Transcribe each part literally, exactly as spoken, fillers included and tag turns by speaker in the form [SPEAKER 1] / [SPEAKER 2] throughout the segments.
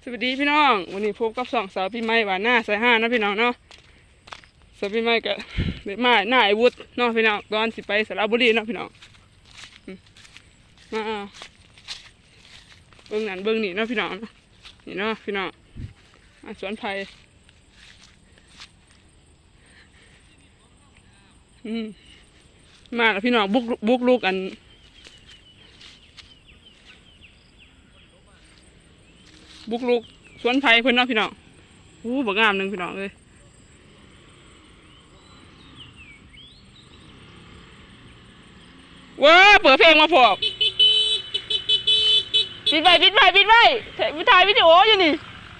[SPEAKER 1] สวัสดีพี่น้องวันนี้พบกับสองสาวพี่ไม้หวานหน้าสายห้านะพี่น้องเนาะสาวพี่ไม้กับเด็กมาหน้าไอ้วุฒิเนาะพี่น้องตอนสิไปสระบุรีเนาะพี่น้องมาเบิ้งนั่นเบิ้งนี่เนาะพี่น้องนี่เนาะพี่น้องมาสวนไผ่อืมมาแล้วพี่น้องบุกบุกลูกอันบุกลูกสวนไผ่เพื่อนเนาะพี่น้องอู้บักงามหนึ่งพี่น้องเลยว้าเปิดเพลงมาพอกปิดไว้ปิดไว้ปิดไว้ถ่ายวิดีโออยู่นี่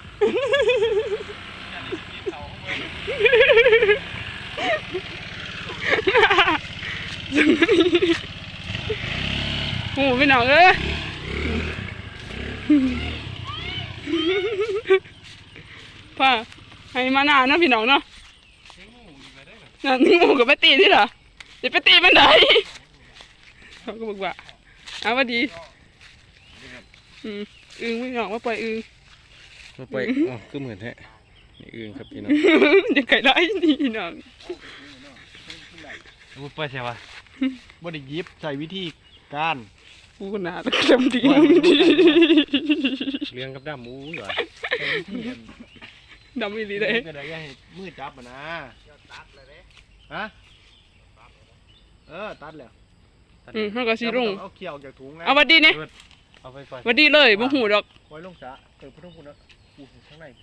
[SPEAKER 1] โอ้พี่น้องเอ้ยพ่อให้มาหน้านะพี่น้องเนาะนั่นงูกับไปตีที่เหรอเดี๋ยวไปตีมันได้เขาก็บอกว่าเอาว่าดีอืมอึงพี่น้องว่าปล่อยอึง
[SPEAKER 2] มาปล่อยอ๋อคือเหมือนแท้นี่อึงครับพี่น้อง
[SPEAKER 1] จะไก่ได้ดีน้อง
[SPEAKER 2] พูดไปใช่ปะ
[SPEAKER 3] บ่ได้ยิบใส่วิธีการ
[SPEAKER 1] กูก็น่าจะจำดี
[SPEAKER 2] เลี้ยงกับดำมูเหรอ
[SPEAKER 1] ดำอีหลีเลย
[SPEAKER 3] ก็ได้ให้มือจับอ่ะนะตัดเลยฮะเออตัดแล้ว
[SPEAKER 1] อืมเขาก็สีรุ่ง
[SPEAKER 3] เอาเขียวจากถุงนะ
[SPEAKER 1] เอาวัดดีเนี่ย
[SPEAKER 3] เอาไปก่อน
[SPEAKER 1] วัดดีเลยบ่หูดอก
[SPEAKER 3] คอยลงสะเติมพุทธคุณนะปูข้างใน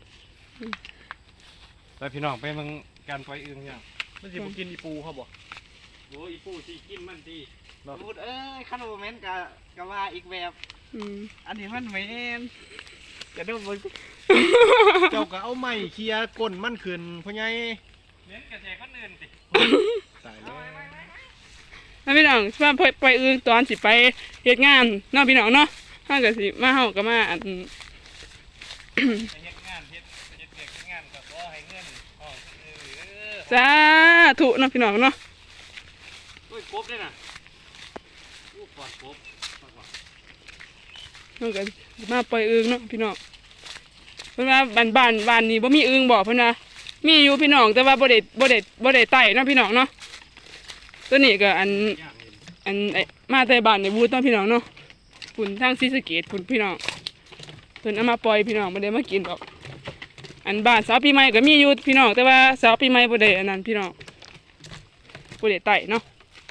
[SPEAKER 2] ไปพี่น้องไปมึงการปล่อยอึงยัง
[SPEAKER 3] มันสิบ่กินอีปูเขาบอก
[SPEAKER 2] โอ้อีปูสิกินมันดี
[SPEAKER 3] พูดเอ้ยขนมเม้นกะกะว่าอีกแบบอันนี้มันเม้นกระโดดเจ้าก็เอาไม้เคลียร์ก้นมันขึ้นพ่อใหญ่
[SPEAKER 2] เม้นกระแทกคนอื่นสิ
[SPEAKER 3] ตายแล้ว
[SPEAKER 1] แล้วพี่น้องช่วยไปอึงตอนสิไปเฮ็ดงานเนาะพี่น้องเนาะถ้าเกิดสิมาเฮาก็มาอัน
[SPEAKER 2] เฮ็ดงานเฮ็ดเฮ็ดเฮ็ดงานก็ขอให้เงินอ๋อเออ
[SPEAKER 1] สาธุเนาะพี่น้องเนาะ
[SPEAKER 2] โอ้ยกบด้วยนะอู้ปอดกบมากกว่า
[SPEAKER 1] เนาะก็มาปล่อยอึงเนาะพี่น้องเพิ่นว่าบ้านบ้านบ้านนี้บ่มีอึงบ่เพิ่นว่ามีอยู่พี่น้องแต่ว่าบ่ได้บ่ได้บ่ได้ไต่เนาะพี่น้องเนาะตัวนี้ก็อันอันไอ้มาแต่บ้านในบูธเนาะพี่น้องเนาะฝุ่นทางศรีสะเกษฝุ่นพี่น้องเพิ่นเอามาปล่อยพี่น้องบ่ได้มากินดอกอันบ้านสาวปีใหม่ก็มีอยู่พี่น้องแต่ว่าสาวปีใหม่บ่ได้อันนั้นพี่น้องบ่ได้ไต่เนาะ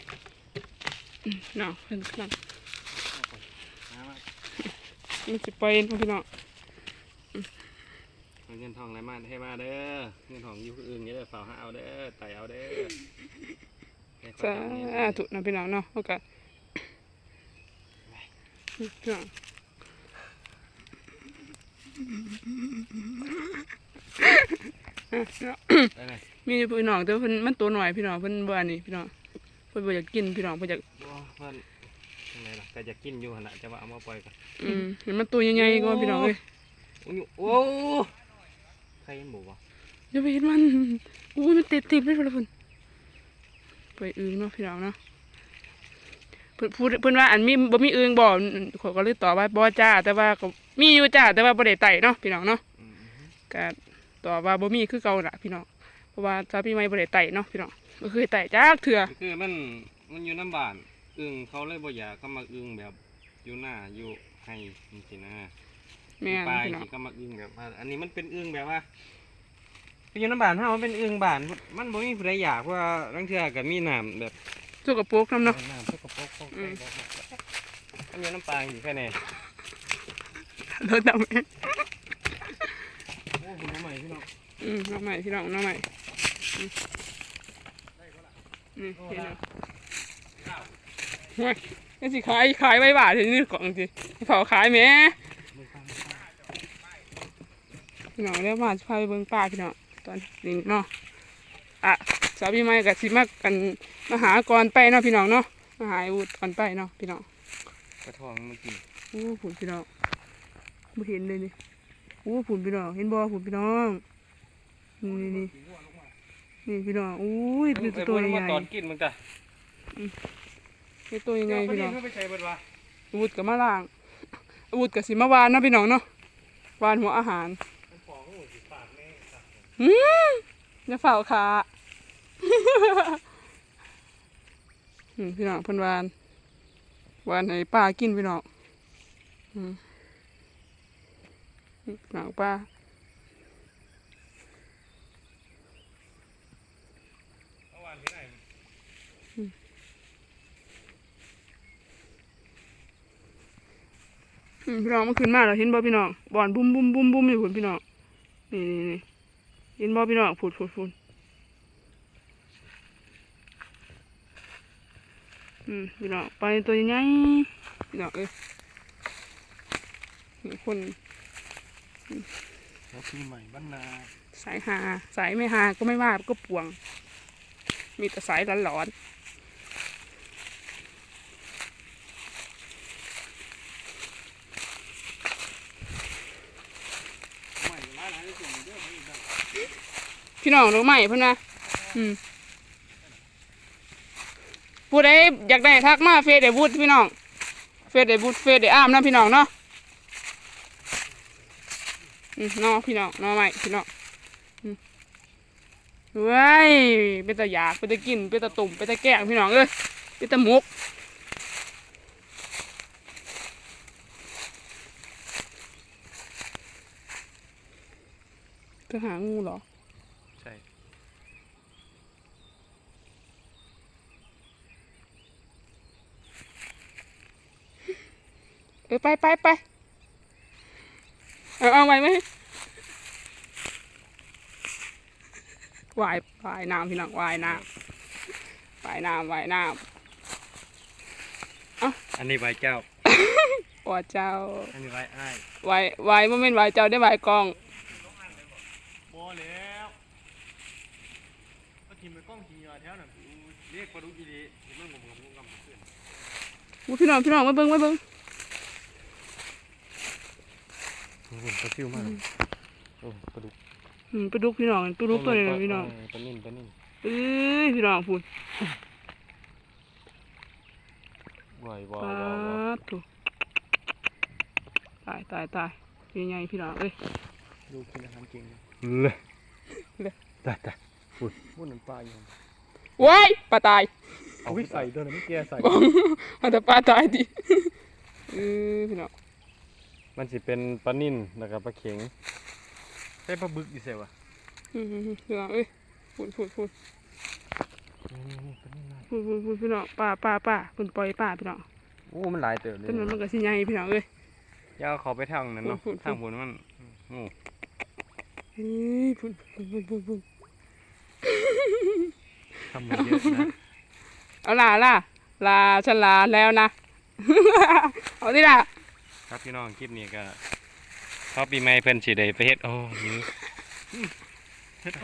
[SPEAKER 1] เนาะเพิ่นนั่นมันสิไปเนาะพี่น้อง
[SPEAKER 2] เงินทองอะไรมาให้มาเด้อเงินทองอยู่อื่นเด้อฝ่าหาเอาเด้อไต่เอาเด้อ
[SPEAKER 1] สาธุนะพี่น้องเนาะโอเคพี่น้องมีพี่น้องแต่เพิ่นมันตัวหน่อยพี่น้องเพิ่นบ้านนี้พี่น้องเพิ่นบ่อยากกินพี่น้องเพิ่นอยาก
[SPEAKER 2] เพิ่นยังไงล่ะก็จะกินอยู่หั่นน่ะจะว่าเอามาปล่อยกัน
[SPEAKER 1] อืมเห็นมันตัวใหญ่ๆก็พี่น้องเอ้ย
[SPEAKER 2] โอ้ใครเห็นบ่วะ
[SPEAKER 1] อย่าไปเห็นมันโอ้ยมันเต็มๆเลยเพิ่นไปอึงเนาะพี่น้องเนาะเพิ่นพูดเพิ่นว่าอันมีบ่มีอึงบ่ขอยก็เลยตอบว่าบ่จ้าแต่ว่าก็มีอยู่จ้าแต่ว่าบ่ได้ไต่เนาะพี่น้องเนาะก็ตอบว่าบ่มีคือเก่าล่ะพี่น้องเพราะว่าถ้าพี่ไม่บ่ได้ไต่เนาะพี่น้องบ่เคยไต่จักเทื่อ
[SPEAKER 2] คือมันมันอยู่น้ำบ้านอึงเขาเลยบ่อยากเข้ามาอึงแบบอยู่หน้าอยู่ให้จริงๆนะ
[SPEAKER 1] แม่
[SPEAKER 2] นพี่น้องก็มาอึงแบบอันนี้มันเป็นอึงแบบว่าอยู่น้ำบ้านเฮามันเป็นอึงบ้านมันบ่มีผู้ใดอยากว่าบางเทื่อก็มีน้ำแบบ
[SPEAKER 1] สกปรกนำเนาะ
[SPEAKER 2] น้ำสกปรกอืมอันนี้น้ำปลาอยู่แค่ไหน
[SPEAKER 1] รถดำเอง
[SPEAKER 2] โอ้น้ำใหม่พี่น้อง
[SPEAKER 1] อืมน้ำใหม่พี่น้องน้ำใหม่นี่เห็นไหมนี่สิขายขายไว้บาททีนี้กล่องสิเผาขายไหมพี่น้องเรียกมาพาไปเบิ่งป่าพี่น้องตอนนี้เนาะอ่ะสาวพี่ไม้กับสิมากันมาหาก่อนไปเนาะพี่น้องเนาะมาหาอุดก่อนไปเนาะพี่น้อง
[SPEAKER 2] กระทองเมื่อกี้
[SPEAKER 1] โอ้ผุนพี่น้องไม่เห็นเลยนี่โอ้ผุนพี่น้องเห็นบ่ผุนพี่น้องนี่นี่นี่พี่น้องโอ้ยดูตัวใหญ่
[SPEAKER 2] ตอนกินมึงจ้ะ
[SPEAKER 1] นี่ตัวใหญ่พี่น้อง
[SPEAKER 2] ไม่ใช่เบิดวะ
[SPEAKER 1] อุดกับมะล่างอุดกับสิมาวานเนาะพี่น้องเนาะหวานหัวอาหาร
[SPEAKER 3] มันฟองก็หมดสิปากแม่ครับ
[SPEAKER 1] อืมอย่าเฝ้าขาอืมพี่น้องเพิ่นหวานหวานให้ป้ากินพี่น้องอืมพี่น้องป้า
[SPEAKER 2] เมื่อวานที่ไหน
[SPEAKER 1] อืมพี่น้องมันขึ้นมาแล้วเห็นบ่พี่น้องบอนบุ้มบุ้มบุ้มบุ้มอยู่พุ่นพี่น้องนี่นี่นี่เห็นบ่พี่น้องพูดพูดพูดอืมพี่น้องไปตัวใหญ่ๆพี่น้องเอ้ยนี่คน
[SPEAKER 3] แล้วปีใหม่บ้านนา
[SPEAKER 1] สายหาสายไม่หาก็ไม่ว่าก็ป่วง มีแต่สายหลอนๆ
[SPEAKER 3] ใหม่ร้ายร้ายที่สุดเด้อพี่น้อง
[SPEAKER 1] พี่น้องรู้ไหมเพื่อนนะอืมผู้ใดอยากได้ทักมาเฟซเดบุตพี่น้อง เฟซเดบุตเฟซเดอ้ามนะพี่น้องเนาะอืมเนาะพี่น้องเนาะใหม่พี่น้องอืมเว้ยเป็นตะอยากเป็นตะกินเป็นตะตุ่มเป็นตะแกงพี่น้องเอ้ยเป็นตะหมกจะหางูเหรอ
[SPEAKER 2] ใช่
[SPEAKER 1] เออไปไปไปเอาเอาไว้ไหมวายวายน้ำพี่น้องวายน้ำวายน้ำวายน้
[SPEAKER 2] อันนี้ใบเจ้า
[SPEAKER 1] ำว่าเจ้า
[SPEAKER 2] อันนี้ใบอ้ายว
[SPEAKER 1] ายวายโมเมนต์วายเจ้าได้วายกอง
[SPEAKER 3] บ่แล้วก็ทีมไปกล้องทีแถวนั้นเรียกปลาดุกอีดีมันงมงมงมขึ้น
[SPEAKER 1] อู้พี่น้องพี่น้องมาเบิ้งมาเบิ้ง
[SPEAKER 2] โอ้โหปลาซิวมากโอ้ปลาดุก
[SPEAKER 1] อืมไปดุกพี่น้องไปดุกตัวนี้นะพี่น้อง
[SPEAKER 2] ปลานิ่มปลานิ่ม
[SPEAKER 1] เอ้ยพี่น้องพูด
[SPEAKER 2] บ่อยบ่อย
[SPEAKER 1] ปา
[SPEAKER 2] บ่อยบ่อย
[SPEAKER 1] ดถูกตายตายตายใหญ่ๆพี่น้องเอ้ย
[SPEAKER 3] ดูกินอาหารเก่ง
[SPEAKER 2] เลย
[SPEAKER 1] เลย
[SPEAKER 2] ตายตาย
[SPEAKER 3] พูดน้ำปลาอยู่
[SPEAKER 1] ว้ายปลาตาย
[SPEAKER 3] เอาวิใส่ด้วยนะไม่แกใส่
[SPEAKER 1] เอาแต่ปลาตายดิเออพี่น้อง
[SPEAKER 2] มันสิเป็นปลานิ่มแล้วก็ปลาเข็ง
[SPEAKER 3] ใส่ปลาบึกอยู่เสียวะ
[SPEAKER 1] อืมพี่น้องเอ้ยพูดพูดพูด
[SPEAKER 2] นี่นี่ปลานิ่มมาก
[SPEAKER 1] พูดพูดพูดพี่น้องป้าป้าป้าคุณปล่อยป้าพี่น้อง
[SPEAKER 2] โอ้มันหลายเติบเลย
[SPEAKER 1] ต้นมันมันก็สิใหญ่พี่น้องเอ้ย
[SPEAKER 2] ยาวเขาไปทางนั้นเนาะ
[SPEAKER 1] พูดพูด
[SPEAKER 2] ทางบนมันโอ้
[SPEAKER 1] เฮ้ยพูดพูดพูดพูดพูด
[SPEAKER 2] ทำมาเยอะนะ
[SPEAKER 1] เอาล่ะล่ะลาฉันลาแล้วนะ เอาดิล่ะ
[SPEAKER 2] ครับพี่น้องคลิปนี้ก็พอปีใหม่เพิ่นสิได้ไปเฮ็ดโอ้ยื้อ
[SPEAKER 3] เฮ็ดโอ้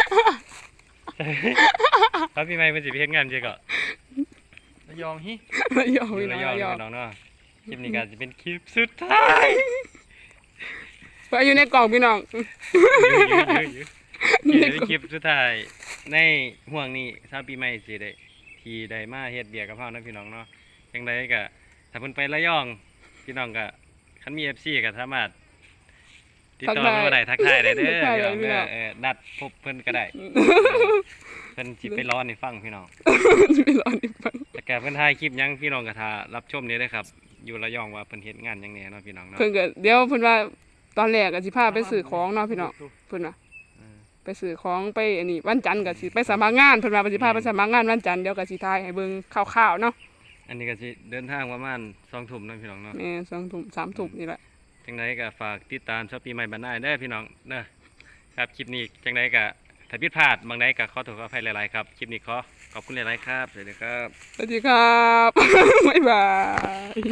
[SPEAKER 2] พอปีใหม่เพิ่นสิไปเฮ็ดงานเจก็
[SPEAKER 3] ระยองฮิ
[SPEAKER 1] ยอม
[SPEAKER 2] อ
[SPEAKER 1] พี่
[SPEAKER 2] ยู่
[SPEAKER 1] น้
[SPEAKER 2] ระ
[SPEAKER 1] อง
[SPEAKER 2] ยอง
[SPEAKER 1] ยอม
[SPEAKER 2] พี่น้องเนาะคลิปนี้ก็จะเป็นคลิปสุดท้าย
[SPEAKER 1] ไปอยู่ในกล่องพี่น้อง
[SPEAKER 2] ยื้อยื้อยื้อยื้อนี่เป็นคลิปสุดท้ายในห่วงนี้ชาวปีใหม่สิได้ที่ได้มาเฮ็ดเบียร์กับเฮานะพี่น้องเนาะจังไดก็ถ้าเพิ่นไประยองพี่น้องก็คันมี เอฟ ซี ก็สามารถติดต่อมาได้ทักทายได้เด้อพี่น้องเด้อเออนัดพบเพิ่นก็ได้ เพิ่นสิไปร้อนให้ฟังพี่น้อง
[SPEAKER 1] จะไปรอนี่ฟัง
[SPEAKER 2] แต่แกเพิ่นถ่ายคลิปหยังพี่น้องก็ท่ารับชมนี้ได้อครับ อยู่ระยองว่าเพิ่นเฮ็ดงานหยังแหน่เนาะพี่น้องเนาะ
[SPEAKER 1] เพิ่นก็เดี๋ยวเพิ่นว่าตอนแรกก็สิพาไปซื้อของเนาะพี่น้องเพิ่นน่ะ
[SPEAKER 2] เออ
[SPEAKER 1] ไปซื้อของไปอันนี้วันจันทร์ก็สิไปสมัครงานเพิ่นว่าสิพาไปสมัครงานวันจันทร์เดี๋ยวก็สิทายให้เบิ่งคร่าวๆเนาะ
[SPEAKER 2] อันนี้ก็สิเดินทางประมาณสองทุ่มเนาะพี่น้องเนาะ
[SPEAKER 1] แม่สองทุ่มสามทุ่มนี่แหละ
[SPEAKER 2] จังไดก็ฝากติดตามช้อปปี้ใหม่บ้านนายเด้อพี่น้องเด้อครับคลิปนี้จังไดก็ถ้าผิดพลาดบางใดก็ขอโทษขออภัยหลายๆครับคลิปนี้ขอขอบคุณหลายๆครับสวัสดีครับ
[SPEAKER 1] สวัสดีครับ บ๊ายบาย